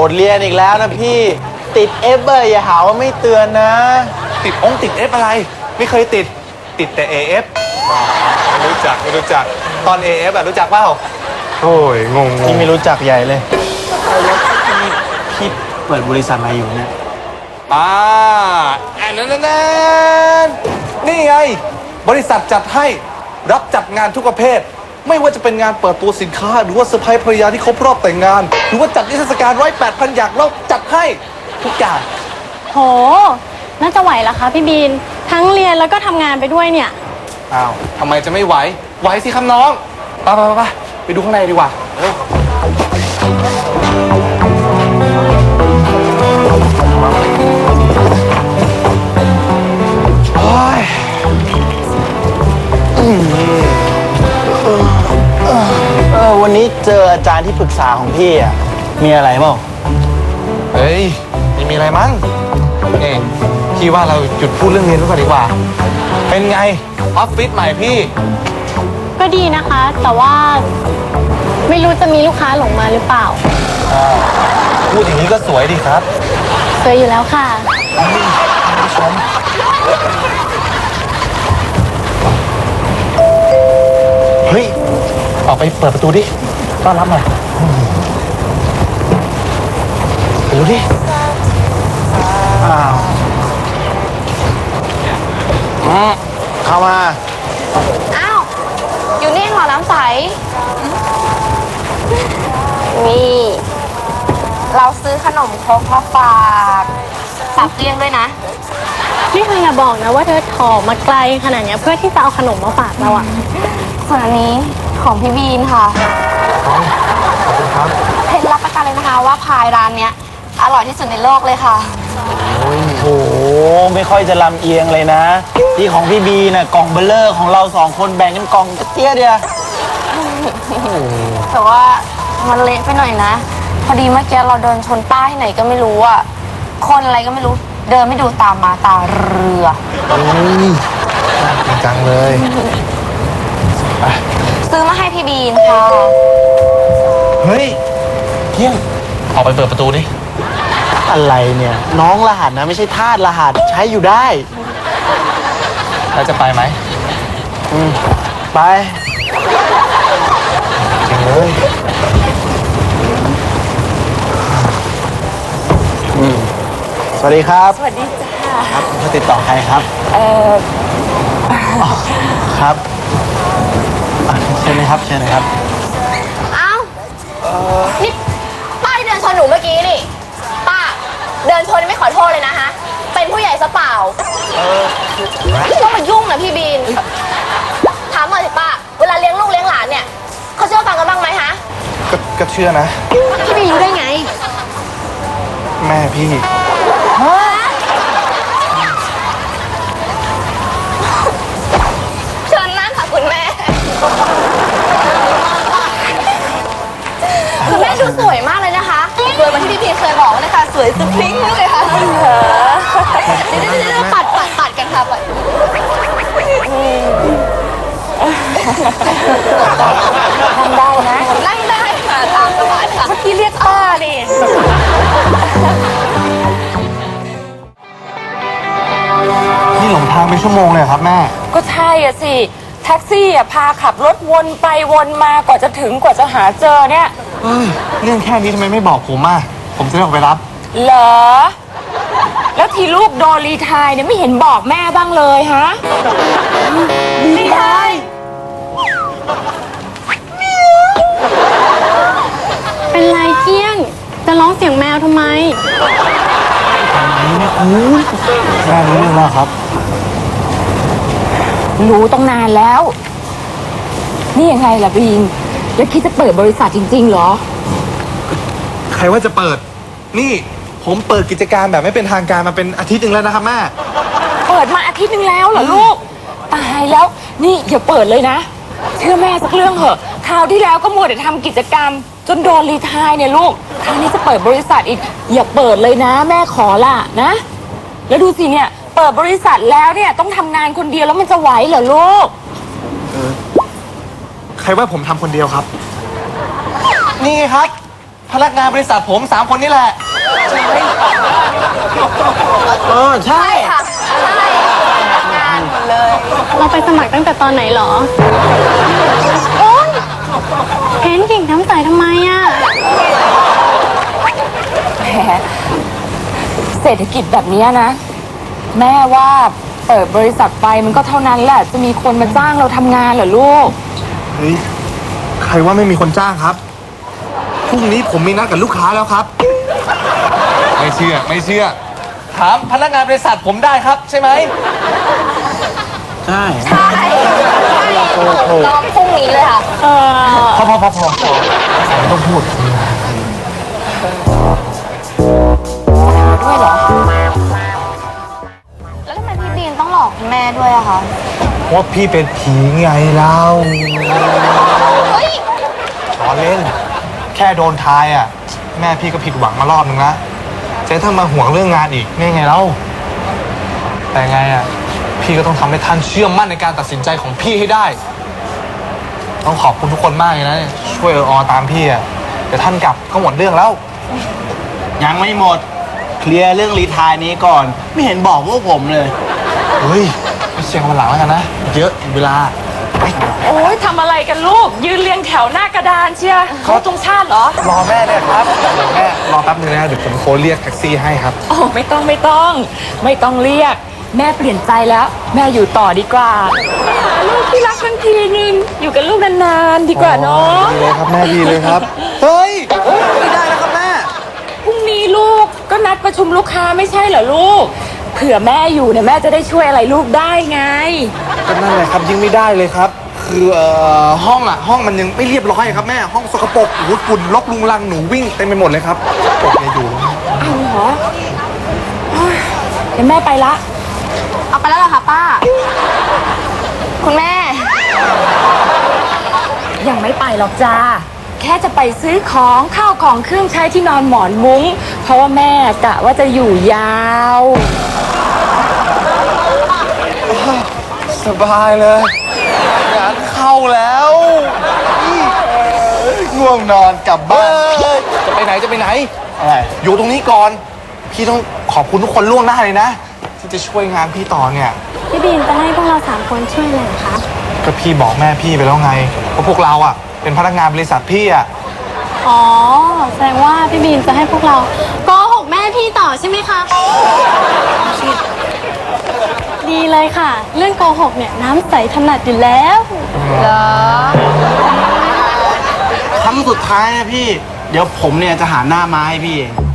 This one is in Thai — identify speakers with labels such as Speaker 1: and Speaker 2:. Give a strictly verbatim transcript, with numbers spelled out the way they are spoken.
Speaker 1: ดเรียนอีกแล้วนะพี่ติดเอฟเบอร์อย่าหาว่าไม่เตือนนะ
Speaker 2: ติดองติดเอฟอะไรไม่เคยติดติดแต่ เอ เอฟ ไม่รู้จักไม่รู้จักตอน เอ เอฟ อะรู้จักเปล่าโอ้ยงง
Speaker 1: พี่ไม่รู้จักใหญ่เลยแล้วพี่เปิดบริษัทอะไรอยู่เนี่ย
Speaker 2: อ่าอันนั้นนั่นนี่ไงบริษัทจัดให้รับจัดงานทุกประเภทไม่ว่าจะเป็นงานเปิดตัวสินค้าหรือว่าเซอร์ไพรส์ภรรยาที่ครบรอบแต่งงานหรือว่าจัดนิทรรศการร้อยแปดพันอย่างเราจัดให้ทุกอย่าง
Speaker 3: โหน่าจะไหวเหรอคะพี่บีนทั้งเรียนแล้วก็ทำงานไปด้วยเนี่ย
Speaker 2: อ้าวทำไมจะไม่ไหวไหวสิครับน้องไปไปไปไปดูข้างในดีกว่าเร็วโอ้ย
Speaker 1: เออวันนี้เจออาจารย์ที่ปรึกษาของพี่อ่ะมีอะไรเปล่า
Speaker 2: เฮ้ยไม่มีอะไรมั้งเองพี่ว่าเราหยุดพูดเรื่องเรียนก่อนดีกว่าเป็นไงออฟฟิศใหม่พี่
Speaker 3: ก็ดีนะคะแต่ว่าไม่รู้จะมีลูกค้าหลงมาหรือเปล่า
Speaker 2: พูดอย่างนี้ก็สวยดีครับ
Speaker 3: สวยอยู่แล้วค่ะ
Speaker 2: ชมเฮ้ยออกไปเปิดประตูดิต้อนรับหน่อยไปดูดิ
Speaker 1: อ้าวเข้ามา
Speaker 4: อ้าวอยู่นี่เหรอน้ำใสนี่เราซื้อขนมครกมาฝากสับเกลี้ยงด้วยนะ
Speaker 3: นี่เธออย่าบอกนะว่าเธอถอมาไกลขนาดนี้เพื่อที่จะเอาขนมมาฝากเราอ่ะ
Speaker 4: ส่วนอันนี้ของพี่บีนค่ะ
Speaker 2: ขอบคุณครับ
Speaker 4: เพชรรับประกันเลยนะคะว่าพายร้านเนี้ยอร่อยที่สุดในโลกเลยค่ะ
Speaker 1: โอ้โหไม่ค่อยจะลำเอียงเลยนะที่ของพี่บีน่ะกล่องเบลเลอร์ของเราสองคนแบ่งกันกล่องกระเตี้ยเดียว
Speaker 4: แต่ว่ามันเละไปหน่อยนะพอดีเมื่อกี้เราเดินชนป้ายที่ไหนก็ไม่รู้อ่ะคนอะไรก็ไม่รู้เดินไม่ดูตามมาตาเรือ
Speaker 2: โอ้ยจังเลย
Speaker 4: ซื้อมาให้พี่บีนค่ะ
Speaker 2: เฮ้ยเที่ยงออกไปเปิดประตูดิ
Speaker 1: อะไรเนี่ยน้องรหัสนะไม่ใช่ทาสรหัสใช้อยู่ได้
Speaker 2: แล้วจะไปไหม
Speaker 1: อืมไป
Speaker 2: จริงเลย
Speaker 1: อืมสวัสดีครับ
Speaker 4: สวัสดีจ้า
Speaker 1: ครับจะติดต่อใครครับ
Speaker 4: เออ
Speaker 1: ครับเชิญเลยครับเชิญเลยครับ
Speaker 4: เอ้านี่ป้าที่เดินชนหนูเมื่อกี้นี่ป้าเดินชนไม่ขอโทษเลยนะฮะเป็นผู้ใหญ่ซะเปล่าต้องมายุ่งนะพี่บีนถามหน่อยสิป้าเวลาเลี้ยงลูกเลี้ยงหลานเนี่ยเขาเชื่อฟังกันบ้างไหมฮะ
Speaker 2: ก็เชื่อนะ
Speaker 4: พี่บีนรู้ได้ไง
Speaker 2: แม่พี่
Speaker 4: เชิญนั่งค่ะคุณแม่คุณแม่ดูสวยมากเลยนะคะสวยเหมือนที่พี่พีเคยบอกเลยค่ะสวยสุดพริ้งเลยค่ะเดี๋ยวเดี๋ยวปัดปัดปัดกันค่ะปัดนั่งได้นะนั่งได้ค่ะตามสบายค่ะเมื่อกี้เรียกป้าดิ
Speaker 2: นี่หลงทางไปชั่วโมงเลยครับแม่
Speaker 5: ก็ใช่อ่ะสิแท็กซี่อ่ะพาขับรถวนไปวนมากว่าจะถึงกว่าจะหาเจอเนี่ย
Speaker 2: เรื่องแค่นี้ทำไมไม่บอกผมอ่ะผมจะได้ออกไปรับ
Speaker 5: เหรอแล้วทีลูกโดนรีไทร์เนี่ยไม่เห็นบอกแม่บ้างเลยฮะรีไทร์
Speaker 3: เป็นไรเกี้ยงจะร้องเสียงแมวทำไม
Speaker 1: แม่รู้เรื่องแล้วครับ
Speaker 5: รู้ตั้งนานแล้วนี่ยังไงล่ะบีนแล้วคิดจะเปิดบริษัทจริงๆเหรอ
Speaker 2: ใครว่าจะเปิดนี่ผมเปิดกิจการแบบไม่เป็นทางการมาเป็นอาทิตย์หนึ่งแล้วนะครับแม่
Speaker 5: เปิดมาอาทิตย์หนึ่งแล้วเหรอลูกตายแล้วนี่อย่าเปิดเลยนะเชื่อแม่สักเรื่องเหอะคราวที่แล้วก็มัวแต่ทำกิจกรรมจนโดนรีไทร์เนี่ยลูกคราวนี้จะเปิดบริษัทอีกอย่าเปิดเลยนะแม่ขอละนะแล้วดูสิเนี่ยเปิดบริษัทแล้วเนี่ยต้องทำงานคนเดียวแล้วมันจะไหวเหรอลูก
Speaker 2: ใครว่าผมทำคนเดียวครับนี่ไงครับพนักงานบริษัทผมสามคนนี่แหละ
Speaker 1: เออ ใช่
Speaker 4: ใช่ค่ะ ใช่ทำงานหมดเลย
Speaker 3: เราไปสมัครตั้งแต่ตอนไหนเหรอ โอ๊ยเห็นกิ่งน้ำใสทำไมอ่ะ
Speaker 5: แหมเศรษฐกิจแบบเนี้ยนะ แม่ว่าเปิดบริษัทไปมันก็เท่านั้นแหละ จะมีคนมาจ้างเราทำงานเหรอลูก
Speaker 2: เฮ้ย ใครว่าไม่มีคนจ้างครับ พรุ่งนี้ผมมีนัดกับลูกค้าแล้วครับ ไม่เชื่อ ไม่เชื่อ ถามพนักงานบริษัทผมได้ครับ ใช่ไหม
Speaker 1: ใช่
Speaker 4: ใช่รอพรุ่งนี้เลยค่ะ
Speaker 3: เออ
Speaker 1: พอพอพอพอไม่ต้องพูด
Speaker 5: ด้วยเหรอ
Speaker 4: แล้วทำไมพี่บีนต้องหลอกคุณแม่ด้วยอะคะ
Speaker 2: ว่าพี่เป็นผีไงเล่า
Speaker 4: เฮ้ย
Speaker 2: ล้อเล่น แค่โดนทายอ่ะ แม่พี่ก็ผิดหวังมารอบนึงนะเจ๊ถ้ามาห่วงเรื่องงานอีกนี่ไงเล่า แต่ไงอ่ะ พี่ก็ต้องทำให้ท่านเชื่อมั่นในการตัดสินใจของพี่ให้ได้ ต้องขอบคุณทุกคนมากเลยนะ ช่วยเอออตามพี่อ่ะเดี๋ยวท่านกลับก็หมดเรื่องแล้ว
Speaker 1: ยังไม่หมด เคลียร์เรื่องรีไทายนี้ก่อน ไม่เห็นบอกพวกผมเลย
Speaker 2: เฮ้ยไปเชียงวันหลังแล้วกันนะ เยอะเวลา
Speaker 5: โอ้ยทำอะไรกันลูก ยืนเรียงแถวหน้ากระดานเชียร์เขาตรงชาติเหรอ
Speaker 2: รอแม่เนี่ยครับแม่รอแป๊บนึงนะเดี๋ยวผมโทรเรียกแท็กซี่ให้ครับ
Speaker 5: โอ้ไม่ต้องไม่ต้อง ไม่ต้องเรียก แม่เปลี่ยนใจแล้ว แม่อยู่ต่อดีกว่าหาลูกที่รักกันทีนึงอยู่กับลูกนานๆดีกว่าเนาะ
Speaker 2: ดีเลยครับแม่ดีเลยครับ เฮ้ย ไม่ได้นะครับแม่
Speaker 5: พรุ่งนี้ลูกก็นัดประชุมลูกค้าไม่ใช่เหรอลูก เผื่อแม่อยู่เนี่ยแม่จะได้ช่วยอะไรลูกได้ไง
Speaker 2: ก็นั่นแหละครับยิ่งไม่ได้เลยครับ คือเอ่อห้องอ่ะ ห้องมันยังไม่เรียบร้อยครับแม่ห้องสกปรกโอ้โหฝุ่นรกลุงลังหนูวิ่งเต็มไปหมดเลยครับปกเนี่ยอยู่
Speaker 5: เอาเหรอโอ๊ยเดี๋ยวแม่ไปละ
Speaker 4: เอาไปแล้วเหรอคะป้า คุณแม่
Speaker 5: ยังไม่ไปหรอกจ้า แค่จะไปซื้อของข้าวของเครื่องใช้ที่นอนหมอนมุ้ง เพราะว่าแม่กะว่าจะอยู่ยาว
Speaker 2: สบายเลยงานเข้าแล้วง่วงนอนกลับบ้านจะไปไหนจะไปไหน
Speaker 1: อะไร
Speaker 2: อยู่ตรงนี้ก่อน พี่ต้องขอบคุณทุกคนล่วงหน้าเลยนะ ที่จะช่วยงานพี่ต่อเนี่ย
Speaker 3: พี่บีนจะให้พวกเราสามคนช่วยอะไรเหรอคะ
Speaker 2: ก็พี่บอกแม่พี่ไปแล้วไงว่าพวกเราอ่ะ เป็นพนักงานบริษัทพี่อ่ะ
Speaker 3: อ๋อ แสดงว่าพี่บีนจะให้พวกเราโกหกแม่พี่ต่อใช่ไหมคะ ดีเลยค่ะ เรื่องโกหกเนี่ยน้ำใสถนัดอยู่แล้ว
Speaker 4: เหรอ
Speaker 1: ครั้งสุดท้ายนะพี่ เดี๋ยวผมเนี่ยจะหาหน้ามาให้พี่เอง